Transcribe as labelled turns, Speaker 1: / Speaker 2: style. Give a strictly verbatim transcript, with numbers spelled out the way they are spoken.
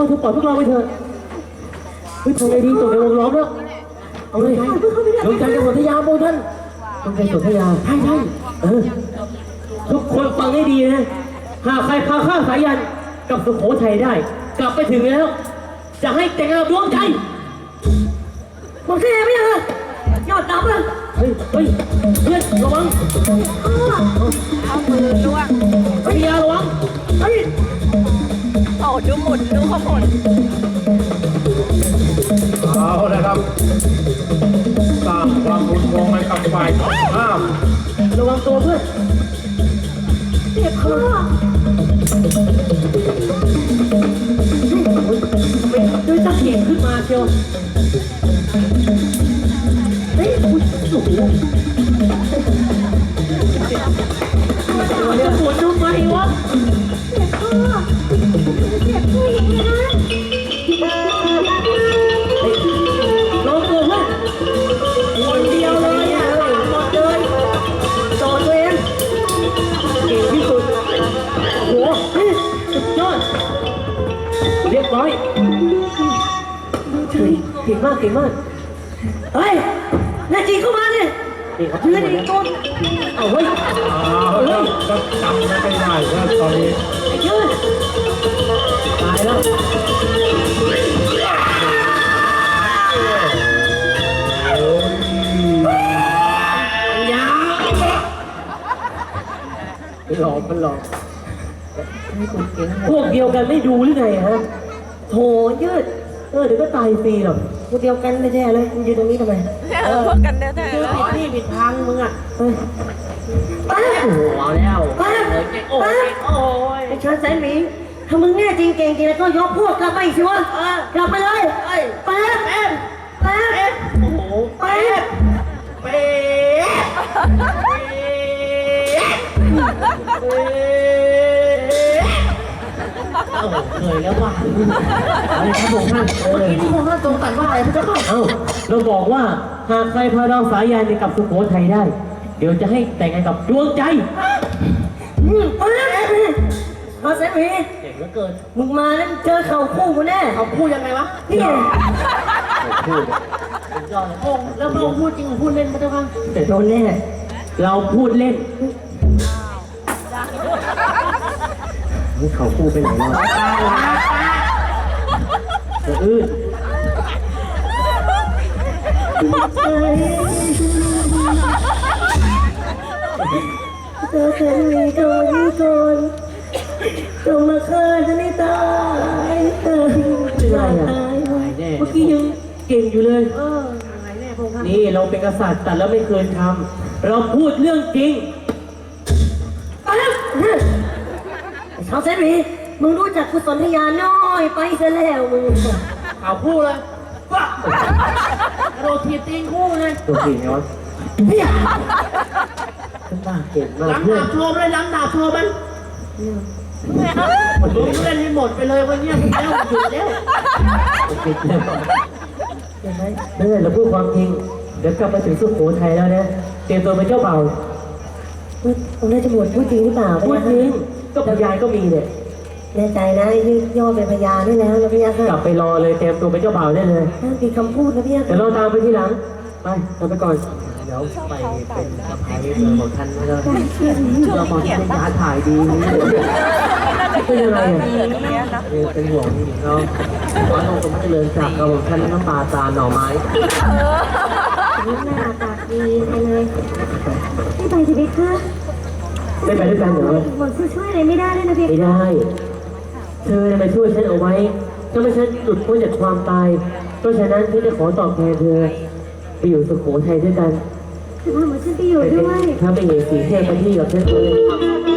Speaker 1: เธอปล่อยพวกเราไปเถอะเฮ้ยทำไงดีตกในวงล้อมแล้วเอาเลยดวงใจกับสนธยาโมท่านดวงใจสนธยาใช่ใช่เออทุกคนฟังให้ดีนะหากใครพาข้าสายันกับสุโขทัยได้กลับไปถึงแล้วจะให้แต่งงานกับดวงใจบอกแค่ไม่ยังยอดดำเลยเฮ้ยเฮ้ยเพื่อนระวัง
Speaker 2: เอามือล่วง
Speaker 1: สนธยาระวังเฮ้ย
Speaker 2: โอ้ดูหมุนดูเขาหมุน
Speaker 3: เอาละครับสร้างความรุนแรงให้กับฝ่ายตรงข้าม
Speaker 1: ระวังตัวเพื่อนเจ็บคอด้วยตะเกียบขึ้นมาเชียวเฮ้ยคุณสุดเลยจะปวดทำไมวะเจ็บคอเจ็บผู้หญิงนะลองตัวเพื่อนคนเดียวเลยอ่ะหมดเลยโดนตัวเองเก่งที่สุดโอ้โหสุดยอดเรียบร้อยเก่งมากเก่งมากเฮ้ยนาจีเข้ามาเนี่ยเพื่อนอีกคนเอาเฮ้ย
Speaker 3: เอาละก็จำไม่ได้แล้วตอนนี้
Speaker 1: ไอ้ยืนตายแล้วยาวมันหลอกมันหลอกพวกเดียวกันไม่ดูหรือไงฮะโถยืดเออเดี๋ยวก็ตายฟรีหรอกพวกเดียวกันไม่แท้เลยมันอยู่ตรงนี้ทำไม
Speaker 2: เออพวกกันแท้ๆ
Speaker 1: คือผิดที่ผิดทางมึงอ่ะเฮ้ยป้าโอ้โหเอาแล้วป้าป้าโอ้ยไอ้เชิญสายหมิงถ้ามึงแน่จริงเก่งจริงแล้วก็ยกพวกกลับไปสิวะกลับไปเลยแป๊บแป๊บแป๊บโอ้โหแป๊บแป๊บเคยแล้วว่าอะไรครับผมท่านเมื่อกี้ที่ผมท่านทรงตรัสว่าอะไรพระเจ้าค่ะเอ้าเราบอกว่าหากใครพาเราสายยานกับสุโขทัยได้เดี๋ยวจะให้แต่งงานกับดวงใจอืมเอาเลยมาเสรีเก่งเหลือเกินมึงมาแล้วเจอเข่าคู่กูแน่เข่าคู่ยังไงวะนี่เข่าคู่ยอดเลยโอ้แล้วเราพูดจริงหรือพูดเล่นพระเจ้าค่ะแต่โดนแน่เราพูดเล่นนี่เขาคู่ไปไหนแล้วจะอื้อเธอเคยมีตัวนี้ก่อนจงมาฆ่าฉันให้ตายเธอจะตายเมื่อกี้ยังเก่งอยู่เลยนี่เราเป็นกษัตริย์แต่เราไม่เคยทำเราพูดเรื่องจริงชาวเซรีมึงรู้จักกุศลทยาน้อยไปซะแล้วมึงข่าวคู่เลยโรตีตีนคู่เลยโรตีย้อนเนี่ยฉันบ้าเก่งมากล้ำดาบโชว์เลยล้ำดาบโชว์มันมึงเล่นให้หมดไปเลยวันนี้มึงแล้วหยุดแล้วปิดแล้วเห็นไหมเมื่อเราพูดความจริงเดี๋ยวกลับมาถึงสุโขทัยแล้วเนี่ยเตรียมตัวเป็นเจ้าเบ่าวผมน่าจะบวชพูดจริงหรือเปล่าพูดจริงก็พยานก็มีเนี่ยแน่ใจนะยืดย่อเป็นพยานได้แล้วนะพี่ยักษ์กลับไปรอเลยเตรียมตัวเป็นเจ้าบ่าวได้เลยนั่นคือคำพูดนะพี่ยักษ์เดี๋ยวเราตามไปทีหลังไปทำไปก่อนเดี๋ยวไปเป็นสะพายเจอของท่านไม่ได้เรามองที่ยาถ่ายดีเป็นยังไงอ่ะเป็นห่วงนี่เนาะว่าเราต้องเจริญจากกระบอกท่านน้ำปลาตาหน่อไม้นี่หน้าตาดีเลยไม่ไปสิพี่คะไม่ไปด้วยกันเหรอหมดช่วยอะไรไม่ได้เลยนะพี่ไม่ได้เธอจะมาช่วยฉันเอาไว้ถ้าไม่ฉันหลุดพ้นจากความตายเพราะฉะนั้นฉันจะขอตอบแทนเธอไปอยู่สุโขทัยด้วยกันถ้าเหมือนฉันไปอยู่ด้วยถ้าไปเห็นสีเทพที่กับฉันเลย